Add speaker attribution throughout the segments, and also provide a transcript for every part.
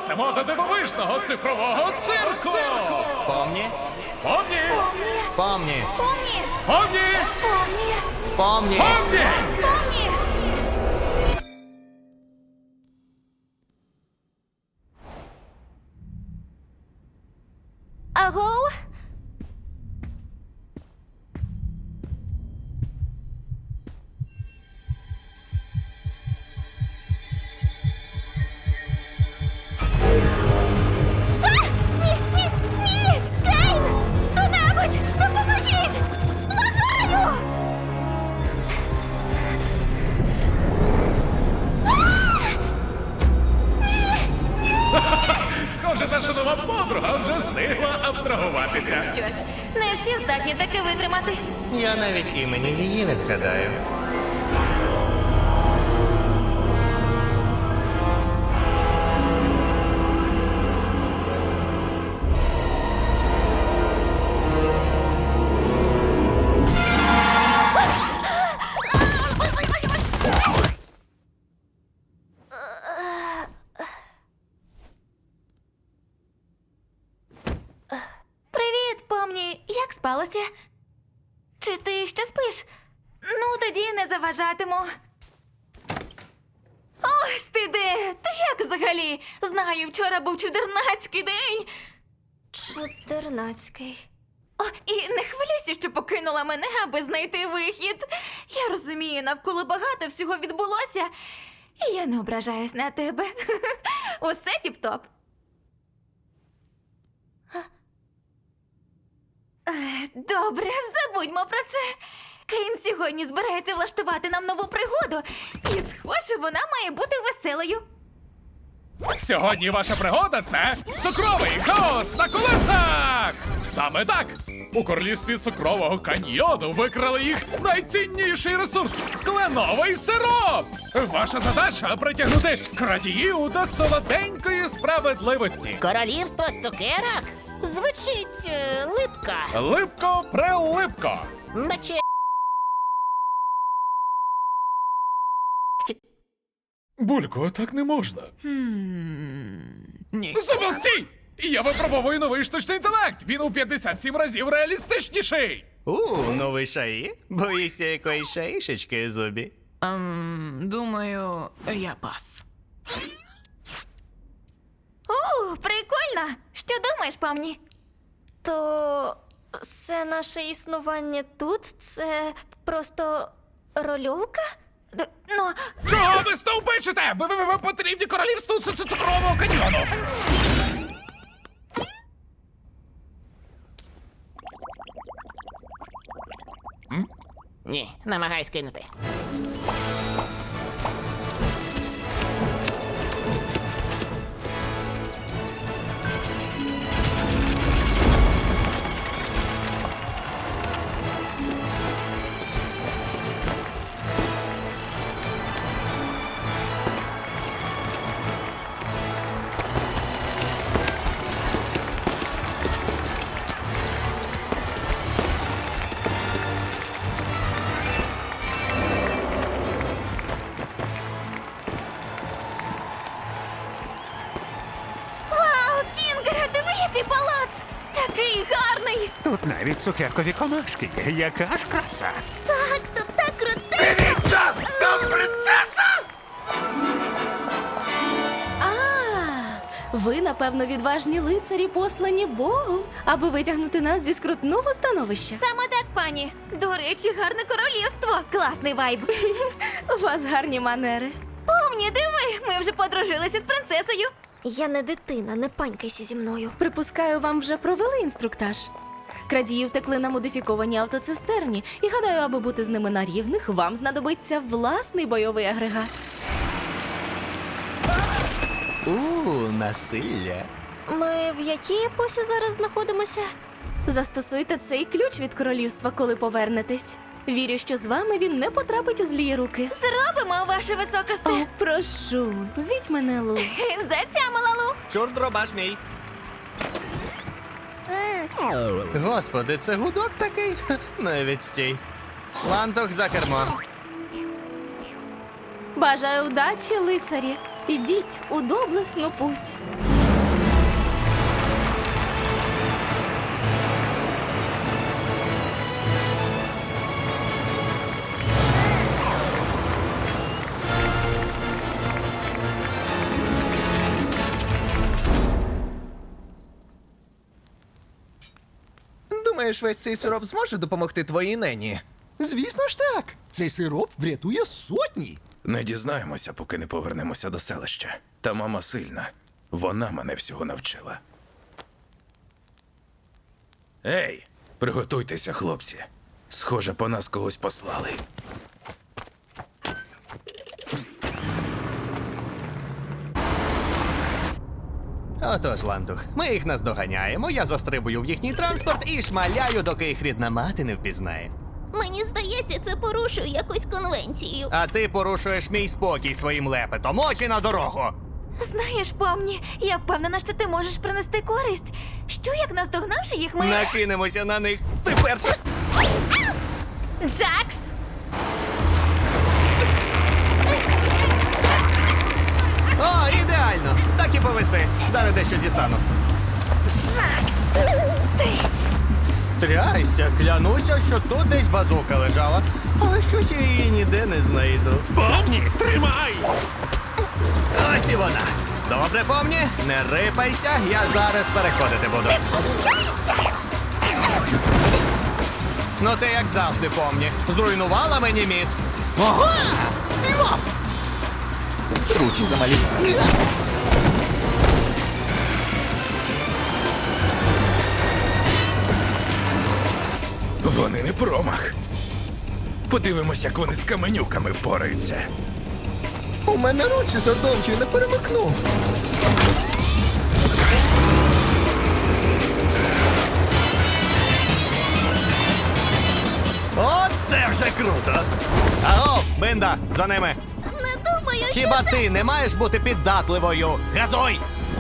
Speaker 1: Просимо до дивовижного цифрового цирку!
Speaker 2: Помні?
Speaker 1: Помні!
Speaker 2: Помні.
Speaker 3: Помні!
Speaker 1: Помні!
Speaker 3: Помні!
Speaker 2: Помні.
Speaker 1: Помні!
Speaker 3: Помні! Аго? Ні, ні, ні! Кейн! Хто-небудь! Допоможіть! Благаю!
Speaker 1: Схоже, наша нова подруга вже встигла абстрагуватися.
Speaker 3: Що ж, не всі здатні таке витримати.
Speaker 2: Я навіть імені її не згадаю.
Speaker 3: Привіт, помні, як спалося? Чи ти ще спиш? Ну, тоді не заважатиму. Ось ти де! Ти як взагалі? Знаю, вчора був чудернацький день. Чудернацький. О, і не хвилюйся, що покинула мене, аби знайти вихід. Я розумію, навколо багато всього відбулося, і я не ображаюсь на тебе. Усе тіп-топ. Добре, забудьмо про це. Кейн сьогодні збирається влаштувати нам нову пригоду. І, схоже, вона має бути веселою.
Speaker 1: Сьогодні ваша пригода – це цукровий хаос на колесах! Саме так! У королівстві цукрового каньйону викрали їх найцінніший ресурс – кленовий сироп! Ваша задача – притягнути крадіїв до солоденької справедливості.
Speaker 4: Королівство з цукерок? Звучить липка.
Speaker 1: Липко-прилипко!
Speaker 4: Наче
Speaker 1: Булько, так не можна.
Speaker 4: ні.
Speaker 1: Зубил, стій! Я випробовую новий штучний інтелект! Він у 57 разів реалістичніший!
Speaker 2: Новий шаї? Боїшся якоїсь шаїшечки, Зубі?
Speaker 5: Думаю, я пас.
Speaker 3: Прикольно! Що думаєш, помні? То все наше існування тут – це просто рольовка? Ну,
Speaker 1: Чого ви стовпичите? Ви потрібні королівству цукрового каньйону!
Speaker 4: Ні, намагаюсь кинути.
Speaker 3: вау, Кінгере, диви, який палац! Такий гарний!
Speaker 6: Тут навіть цукеркові комашки є. Яка ж краса?
Speaker 3: Так, тут так круто!
Speaker 1: Дивіться! Там принцеса!
Speaker 7: Ви, напевно, відважні лицарі, послані Богом, аби витягнути нас зі скрутного становища.
Speaker 3: Саме так, пані. До речі, гарне королівство. Класний вайб.
Speaker 7: У вас гарні манери.
Speaker 3: Помні, диви, ми вже подружилися з принцесою. Я не дитина, не панькайся зі мною.
Speaker 7: Припускаю, вам вже провели інструктаж. Крадії втекли на модифікованій автоцистерні, і гадаю, аби бути з ними на рівних, вам знадобиться власний бойовий агрегат.
Speaker 2: Насилля.
Speaker 3: Ми в якій епосі зараз знаходимося?
Speaker 7: Застосуйте цей ключ від королівства, коли повернетесь. Вірю, що з вами він не потрапить у злі руки.
Speaker 3: Зробимо, ваше високосте.
Speaker 7: О, прошу, звіть мене Лу.
Speaker 3: Затямила, Лу.
Speaker 2: Чорт дробаш мій. Господи, це гудок такий? Навіть стій. Лантох за кермо.
Speaker 7: Бажаю вдачі, лицарі. Ідіть у доблесну путь.
Speaker 8: Думаєш, весь цей сироп зможе допомогти твоїй нені?
Speaker 9: Звісно ж так. Цей сироп врятує сотні.
Speaker 10: Не дізнаємося, поки не повернемося до селища. Та мама сильна. Вона мене всього навчила. Ей, приготуйтеся, хлопці. Схоже, по нас когось послали.
Speaker 2: Отож, Лантух, ми їх наздоганяємо, я застрибую в їхній транспорт і шмаляю, доки їх рідна мати не впізнає.
Speaker 11: Мені здається, це порушує якусь конвенцію.
Speaker 2: А ти порушуєш мій спокій своїм лепетом. Очі на дорогу!
Speaker 3: Знаєш, помні, я впевнена, що ти можеш принести користь. Що як наздогнавши їх, ми.
Speaker 2: Накинемося на них. Ти перша!
Speaker 3: Джакс!
Speaker 2: О, ідеально! Так і повиси. Зараз дещо дістану.
Speaker 3: Джакс! Ти!
Speaker 2: Трястя, клянуся, що тут десь базука лежала. Але щось я її ніде не знайду.
Speaker 6: Помні, тримай!
Speaker 2: Ось і вона. Добре, помні, не рипайся, я зараз переходити буду. Ну ти як завжди, помні. Зруйнувала мені міст.
Speaker 9: Ого! Співав! Руці замалі.
Speaker 10: Вони не промах. Подивимось, як вони з каменюками впораються.
Speaker 8: У мене руці задовгі, не перемикну.
Speaker 2: Оце вже круто! Аго, Бинда, за ними!
Speaker 11: Не думаю, що
Speaker 2: Хіба
Speaker 11: це...
Speaker 2: ти не маєш бути піддатливою? Газуй!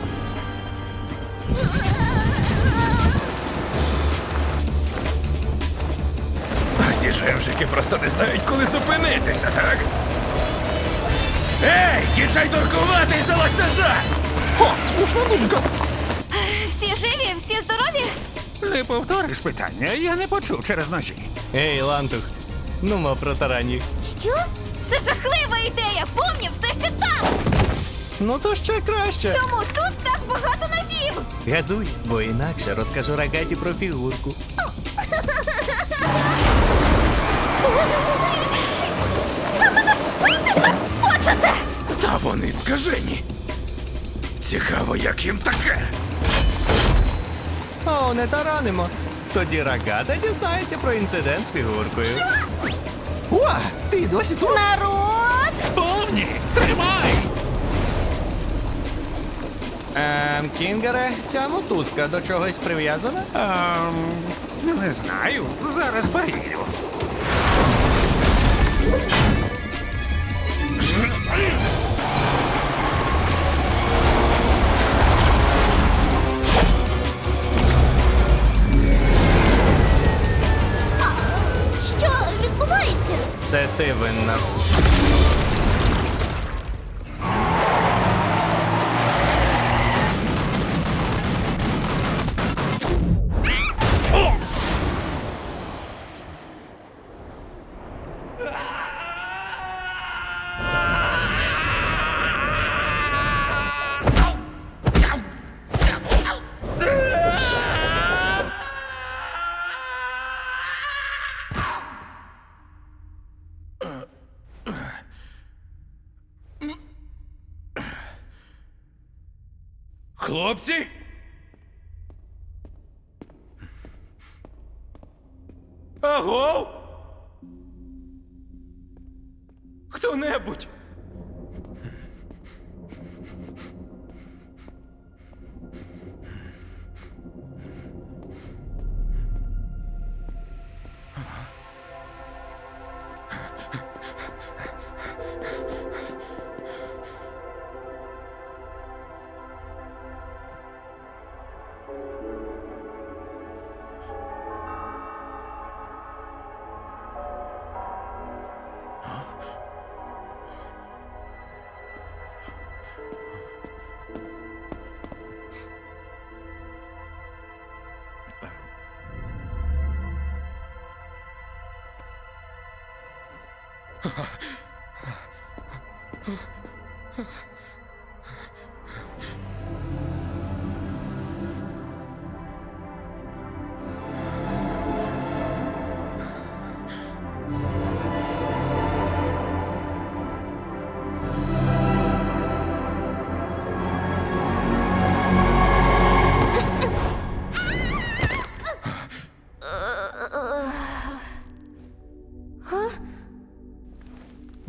Speaker 10: А ці жевжики просто не знають, коли зупинитися, так? Ей, кінчай торкувати і залазь назад!
Speaker 9: О, слушна думка.
Speaker 3: Всі живі, всі здорові?
Speaker 6: Не повториш питання, я не почув через ножі.
Speaker 2: Ей, Лантух, ну мо протарань їх.
Speaker 3: Що? Це жахлива ідея! Помні, все ще там!
Speaker 2: Ну то ще краще.
Speaker 3: Чому тут так багато ножів?
Speaker 2: Газуй, бо інакше розкажу Рагаті про фігурку.
Speaker 3: Ви мене вбити хочете!
Speaker 10: Та вони скажені. Цікаво, як їм таке.
Speaker 2: О, не таранимо. Тоді Рагата дізнається про інцидент з фігуркою.
Speaker 9: О, ти досі тут?
Speaker 3: Народ!
Speaker 6: Помні, тримай!
Speaker 2: Кінгере, ця мотузка до чогось прив'язана?
Speaker 6: Не знаю, зараз перевірю.
Speaker 11: Що відбувається?
Speaker 2: Це ти винна.
Speaker 10: Хлопці? Аго? Хто-небудь?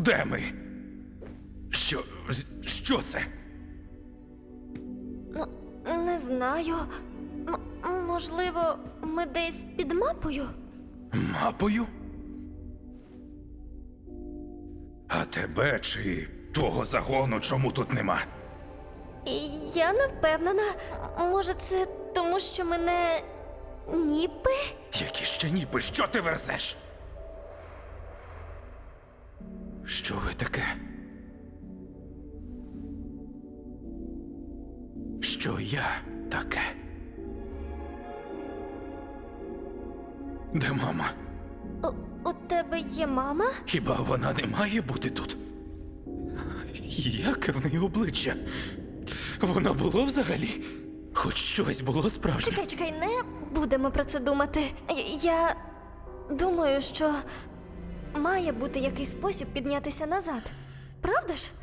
Speaker 10: Де ми? Що це?
Speaker 11: Ну, не знаю. Можливо, ми десь під мапою?
Speaker 10: Мапою? А тебе чи твого загону чому тут нема?
Speaker 11: Я не впевнена. Може, це тому, що мене ніби?
Speaker 10: Які ще ніби, що ти верзеш? Що ви таке? Що я таке? Де мама?
Speaker 11: У тебе є мама?
Speaker 10: Хіба вона не має бути тут? Яке в неї обличчя? Воно було взагалі? Хоч щось було справжнє?
Speaker 11: Чекай, не будемо про це думати. Я думаю, що має бути якийсь спосіб піднятися назад. Правда ж?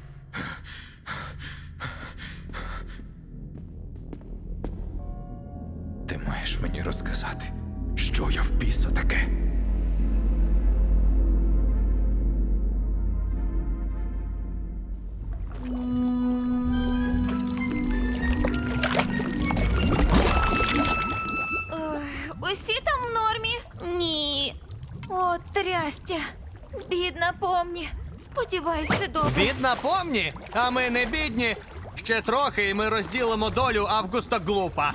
Speaker 10: Ти маєш мені розказати, що я в біса таке?
Speaker 3: Усі там в нормі? Ні. О, трястя. Бідна помні. Сподіваюсь, все добре.
Speaker 2: Бідна помні, а ми не бідні. Ще трохи, і ми розділимо долю Августа Глупа.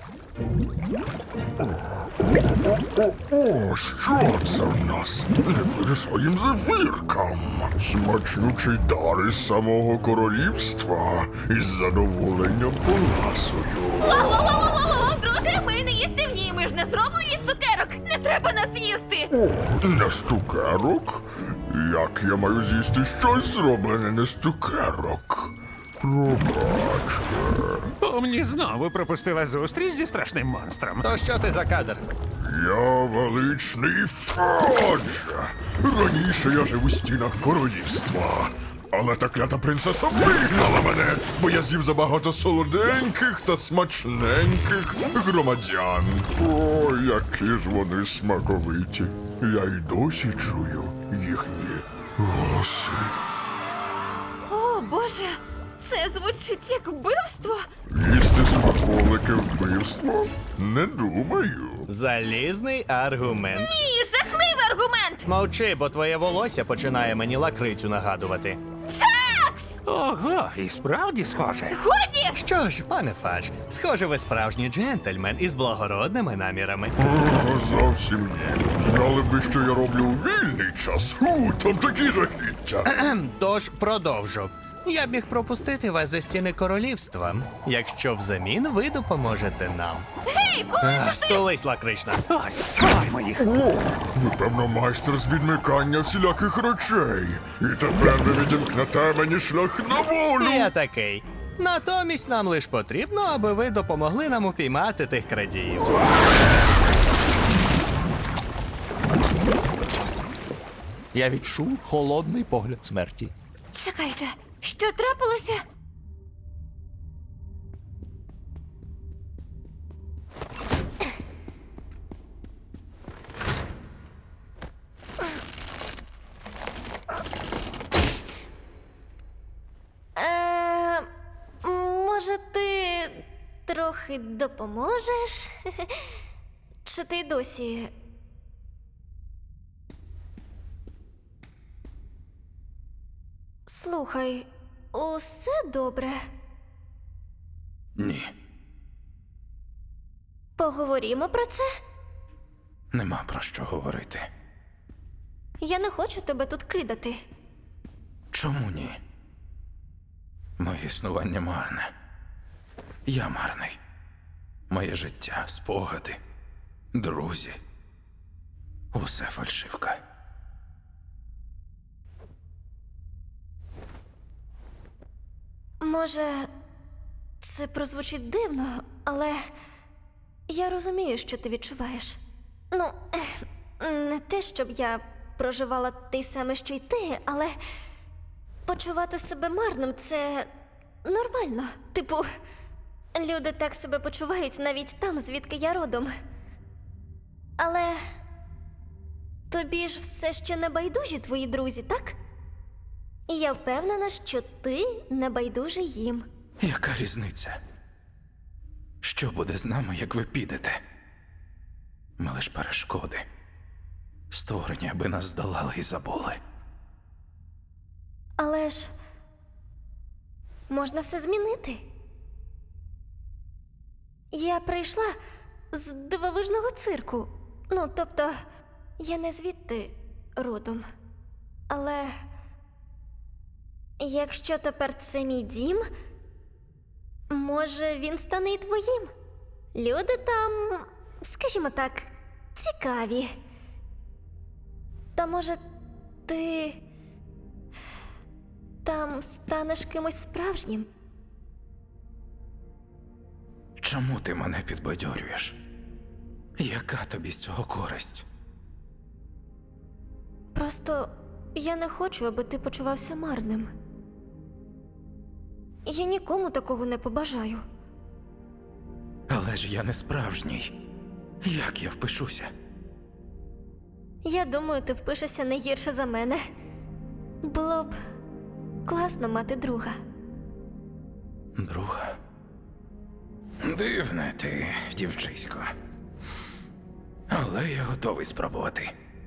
Speaker 12: О, що це в нас? Не вірю своїм зефіркам. Смачнючий дар із самого королівства. Із задоволенням поласую.
Speaker 3: Воу-воу-воу-воу-воу! Друже, ми не їстівні, ми ж не зроблені з цукерок. Не треба нас їсти.
Speaker 12: О, не з цукерок? Як я маю з'їсти щось зроблене не з цукерок? Пробачте.
Speaker 6: Помні знову пропустила зустріч зі страшним монстром.
Speaker 2: То що ти за кадр?
Speaker 12: Я величний Фодж. Раніше я жив у стінах королівства. Але та клята принцеса вигнала мене, бо я з'їв забагато солоденьких та смачненьких громадян. О, які ж вони смаковиті. Я й досі чую їхні голоси.
Speaker 3: О, Боже, це звучить як вбивство.
Speaker 12: Їсти смаколики вбивство? Не думаю.
Speaker 2: Залізний аргумент.
Speaker 3: Ні, жахливий аргумент.
Speaker 2: Мовчи, бо твоє волосся починає мені лакрицю нагадувати.
Speaker 3: Чакс!
Speaker 6: Ого, і справді схоже.
Speaker 3: Годі!
Speaker 2: Що ж, пане Фадж, схоже, ви справжній джентльмен із благородними намірами.
Speaker 12: О, зовсім ні. Знали б ви, що я роблю у вільний час. Там такі жахіття.
Speaker 2: Тож продовжу. Я б міг пропустити вас за стіни королівства, якщо взамін ви допоможете нам.
Speaker 3: Гей, коли це ти?
Speaker 2: Столись, лакрична.
Speaker 6: Ось, сховаймо їх.
Speaker 12: О, ви, певно, майстер з відмикання всіляких речей. І тепер ви відімкнете мені шлях на волю.
Speaker 2: Я такий. Натомість нам лиш потрібно, аби ви допомогли нам упіймати тих крадіїв.
Speaker 9: Я відчув холодний погляд смерті.
Speaker 3: Чекайте, що трапилося?
Speaker 11: Може, ти трохи допоможеш? Чи ти досі? Слухай, усе добре?
Speaker 10: Ні,
Speaker 11: Поговоримо про це?
Speaker 10: нема про що говорити.
Speaker 11: Я не хочу тебе тут кидати.
Speaker 10: Чому ні? Моє існування марне. Я марний. Моє життя, спогади, друзі. Усе фальшивка.
Speaker 11: Може, це прозвучить дивно, але я розумію, що ти відчуваєш. Ну, не те, щоб я проживала те саме, що й ти, але почувати себе марним – це нормально. Типу, люди так себе почувають навіть там, звідки я родом. Але тобі ж все ще не байдужі твої друзі, так? І я впевнена, що ти не байдужий їм.
Speaker 10: Яка різниця? Що буде з нами, як ви підете? Ми лиш перешкоди. Створені, аби нас здолали і забули.
Speaker 11: Але ж можна все змінити. Я прийшла з дивовижного цирку. Ну, тобто, я не звідти родом. Але якщо тепер це мій дім, може він стане і твоїм. Люди там, скажімо так, цікаві. Та може ти там станеш кимось справжнім?
Speaker 10: Чому ти мене підбадьорюєш? Яка тобі з цього користь?
Speaker 11: Просто я не хочу, аби ти почувався марним. Я нікому такого не побажаю.
Speaker 10: Але ж я не справжній. Як я впишуся?
Speaker 11: Я думаю, ти впишешся не гірше за мене. Було б класно мати друга.
Speaker 10: Друга? Дивне ти, дівчисько. Але я готовий спробувати.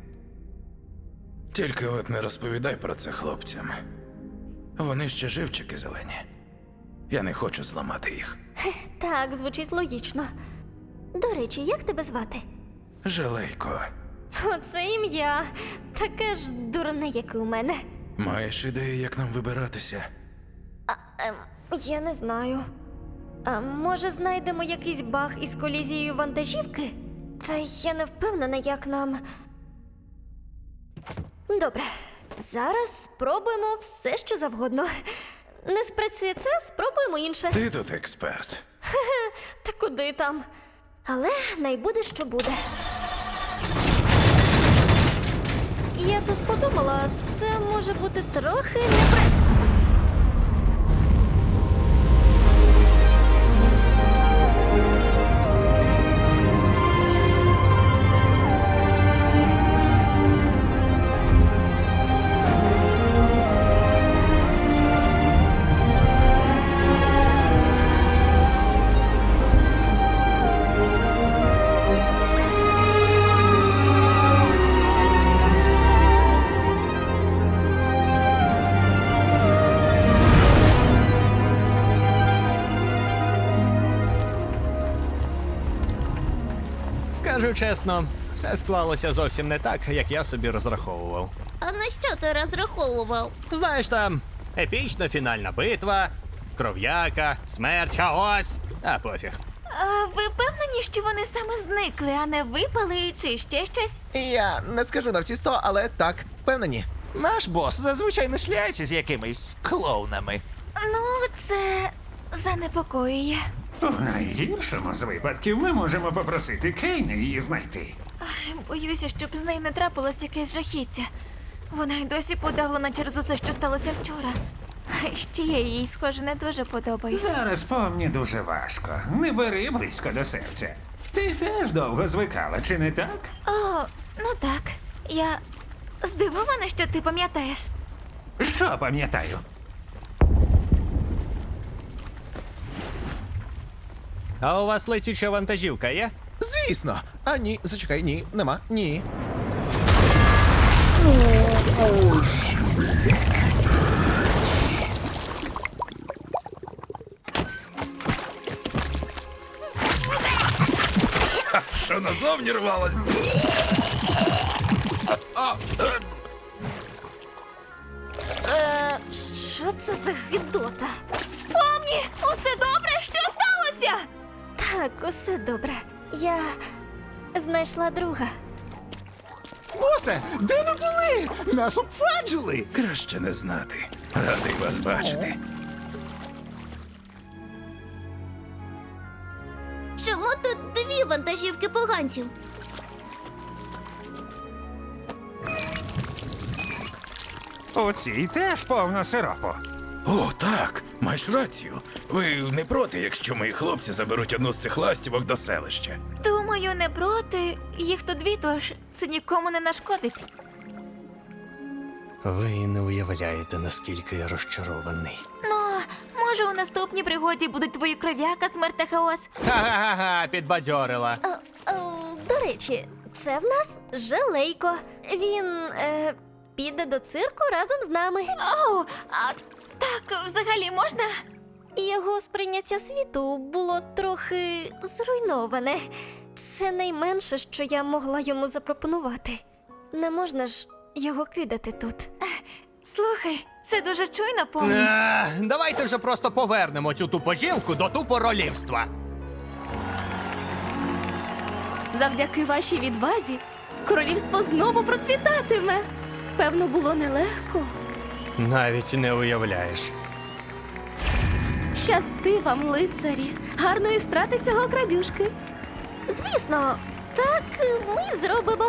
Speaker 10: Тільки от не розповідай про це хлопцям. Вони ще живчики зелені. Я не хочу зламати їх.
Speaker 11: Так, звучить логічно. До речі, як тебе звати?
Speaker 10: Жалейко,
Speaker 11: Оце ім'я. Таке ж дурне, як і у мене.
Speaker 10: маєш ідею, як нам вибиратися?
Speaker 11: Я не знаю. А може знайдемо якийсь баг із колізією вантажівки? Та я не впевнена, як нам. Добре, зараз спробуємо все, що завгодно. Не спрацює це, спробуємо інше.
Speaker 10: Ти тут експерт.
Speaker 11: Та куди там? Але найбуде, що буде. Я тут подумала, це може бути трохи
Speaker 2: Скажу чесно, все склалося зовсім не так, як я собі розраховував.
Speaker 4: А на що ти розраховував?
Speaker 2: Знаєш, там епічна фінальна битва, кров'яка, смерть, хаос. А пофіг.
Speaker 3: А ви впевнені, що вони саме зникли, а не випали чи ще щось?
Speaker 8: Я не скажу на всі 100, але так, впевнені.
Speaker 6: Наш бос зазвичай не шляється з якимись клоунами.
Speaker 3: Ну, це занепокоює.
Speaker 6: У найгіршому з випадків ми можемо попросити Кейна її знайти.
Speaker 3: Боюся, щоб з нею не трапилось якесь жахіття. Вона й досі подавлена через усе, що сталося вчора. А ще я їй, схоже, не дуже подобаюся.
Speaker 6: Зараз помні дуже важко. Не бери близько до серця. Ти теж довго звикала, чи не так?
Speaker 3: О, ну так. Я здивована, що ти пам'ятаєш.
Speaker 6: Що пам'ятаю?
Speaker 2: А у вас летюча вантажівка є?
Speaker 8: Звісно. А ні, зачекай, ні, нема, ні.
Speaker 12: Ось мій
Speaker 10: Що назовні рвалось?
Speaker 11: Що це за гидота? Помні, усе добре? Що сталося? Так, усе добре. Я знайшла друга.
Speaker 9: Босе, де ви були? Нас обфаджили!
Speaker 10: Краще не знати. Радий вас бачити.
Speaker 4: Чому тут дві вантажівки поганців?
Speaker 6: У цій теж повно сиропу.
Speaker 10: О, так, маєш рацію. Ви не проти, якщо мої хлопці заберуть одну з цих ластівок до селища?
Speaker 3: Думаю, не проти. Їх тут дві, тож це нікому не нашкодить.
Speaker 2: Ви не уявляєте, наскільки я розчарований.
Speaker 3: Ну, може, у наступній пригоді будуть твої кров'яка, смерть та хаос.
Speaker 2: Ха-ха-ха, підбадьорила.
Speaker 11: До речі, це в нас Желейко. Він піде до цирку разом з нами.
Speaker 3: Оу, а так взагалі можна?
Speaker 11: Його сприйняття світу було трохи зруйноване. Це найменше, що я могла йому запропонувати. Не можна ж його кидати тут.
Speaker 3: Слухай, це дуже чуйно, помні.
Speaker 2: Давайте вже просто повернемо цю тупожівку до тупоролівства.
Speaker 7: Завдяки вашій відвазі королівство знову процвітатиме. Певно, було нелегко.
Speaker 2: Навіть не уявляєш.
Speaker 7: Щасти вам, лицарі. Гарної страти цього крадюшки.
Speaker 11: Звісно, так ми зробимо.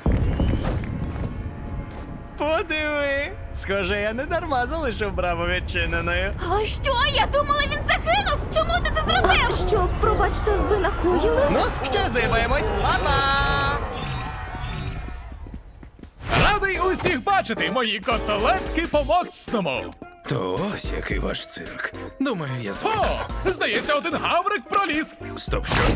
Speaker 2: Подиви! Схоже, я не дарма залишив браму відчиненою.
Speaker 3: А що? Я думала, він загинув! Чому ти це зробив?
Speaker 7: Що, пробачте, ви накоїли?
Speaker 2: Ну, ще здиваємось. Па-па!
Speaker 1: Радий усіх бачити, мої котелетки по-моцному!
Speaker 10: То ось який ваш цирк. Думаю, я звик.
Speaker 1: О, здається, один гаврик проліз.
Speaker 10: Стоп, що?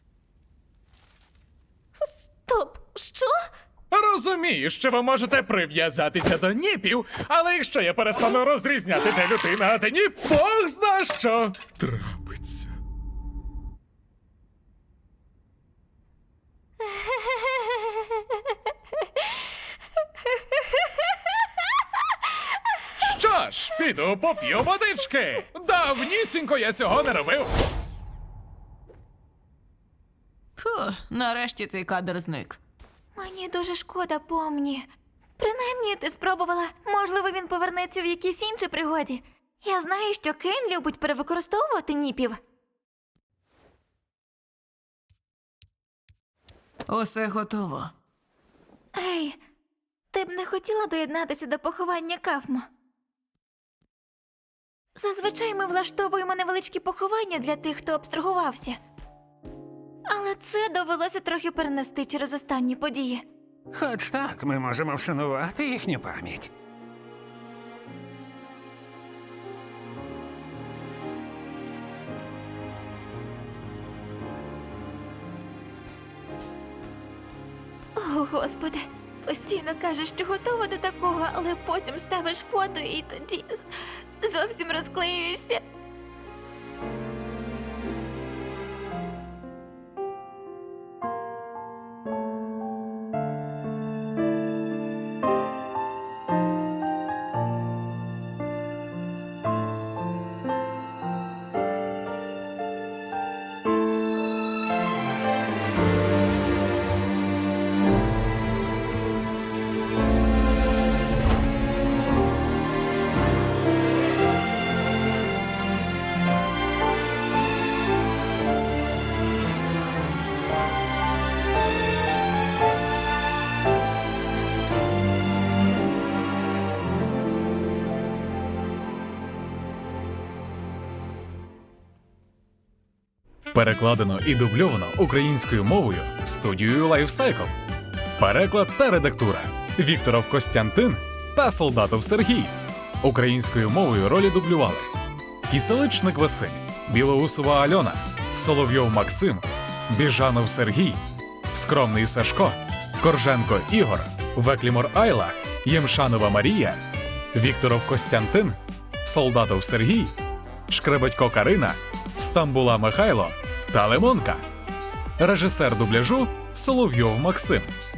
Speaker 11: Стоп, що?
Speaker 1: Розумію, що ви можете прив'язатися до ніпів, але якщо я перестану розрізняти, де людина, а де ніп, Бог зна що трапиться. Що ж, піду поп'ю водички. Давнісінько я цього не робив.
Speaker 5: Фу, нарешті цей кадр зник.
Speaker 3: Мені дуже шкода, помні. Принаймні, ти спробувала. Можливо, він повернеться в якійсь іншій пригоді. Я знаю, що Кейн любить перевикористовувати ніпів.
Speaker 5: Усе готово.
Speaker 3: Ей, ти б не хотіла доєднатися до поховання Кафмо? Зазвичай ми влаштовуємо невеличкі поховання для тих, хто абстрагувався. Але це довелося трохи перенести через останні події.
Speaker 6: Хоч так, ми можемо вшанувати їхню пам'ять.
Speaker 3: О, Господи, постійно кажеш, що готова до такого, але потім ставиш фото і тоді зовсім розклеюєшся.
Speaker 1: Перекладено і дубльовано українською мовою студією Lifecycle. Переклад та редактура Вікторов Костянтин та Солдатов Сергій. Українською мовою ролі дублювали Кіселичник Василь, Білоусова Альона, Соловйов Максим, Біжанов Сергій, Скромний Сашко, Корженко Ігор, Веклімор Айла, Ємшанова Марія, Вікторов Костянтин, Солдатов Сергій, Шкребетько Карина, Стамбула Михайло та Лимонка. Режисер дубляжу Соловйов Максим.